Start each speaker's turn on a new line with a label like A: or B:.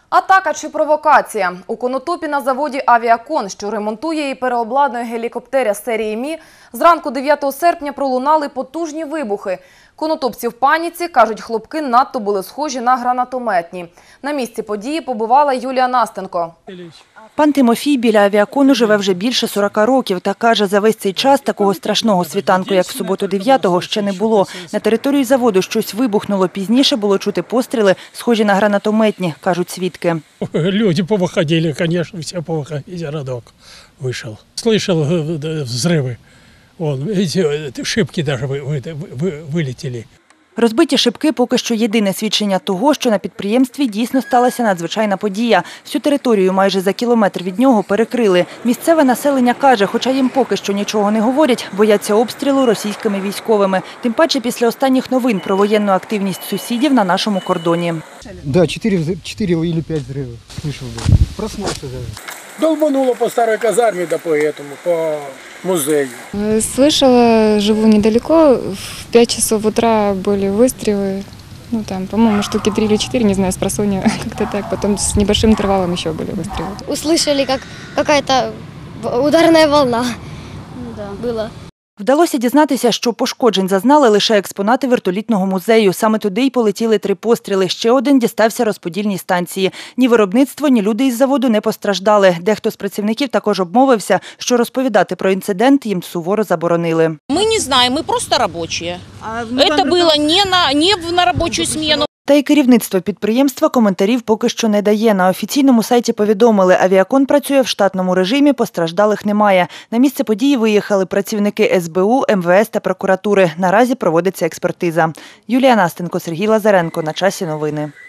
A: Атака чи провокація? У Конотопі на заводі «Авіакон», що ремонтує і переобладнує гелікоптеря серії Мі, зранку 9 серпня пролунали потужні вибухи. Конотопці в паніці, кажуть, хлопки надто були схожі на гранатометні. На місці події побувала Юлія Настенко.
B: Пан Тимофій біля «Авіакону» живе вже більше 40 років та каже, за весь цей час такого страшного світанку, як в суботу 9-го, ще не було. На території заводу щось вибухнуло. Пізніше було чути постріли, схожі на гранатометні, кажуть свідки.
C: Люди повыходили, конечно, все повыходили, городок вышел. Слышал взрывы, эти шибки даже вылетели.
B: Розбиті шибки – поки що єдине свідчення того, що на підприємстві дійсно сталася надзвичайна подія. Всю територію майже за кілометр від нього перекрили. Місцеве населення каже, хоча їм поки що нічого не говорять, бояться обстрілу російськими військовими. Тим паче після останніх новин про воєнну активність сусідів на нашому кордоні.
D: Да, 4 или 5 взрывов слышал. Проснулся даже.
C: Долбануло по старой казарме, да по музею.
E: Слышала, живу недалеко, в 5 часов утра были выстрелы. Ну там, по-моему, штуки 3 или 4, не знаю, спросонья, как-то так. Потом с небольшим интервалом еще были выстрелы.
F: Услышали, как какая-то ударная волна была.
B: Вдалося дізнатися, що пошкоджень зазнали лише експонати вертолітного музею. Саме туди й полетіли 3 постріли. Ще один дістався розподільній станції. Ні виробництво, ні люди із заводу не постраждали. Дехто з працівників також обмовився, що розповідати про інцидент їм суворо заборонили.
G: Ми не знаємо, ми просто робочі. Це було не на робочу зміну.
B: Та й керівництво підприємства коментарів поки що не дає. На офіційному сайті повідомили, «Авіакон» працює в штатному режимі, постраждалих немає. На місце події виїхали працівники СБУ, МВС та прокуратури. Наразі проводиться експертиза. Юлія Настенко, Сергій Лазаренко. На часі новини.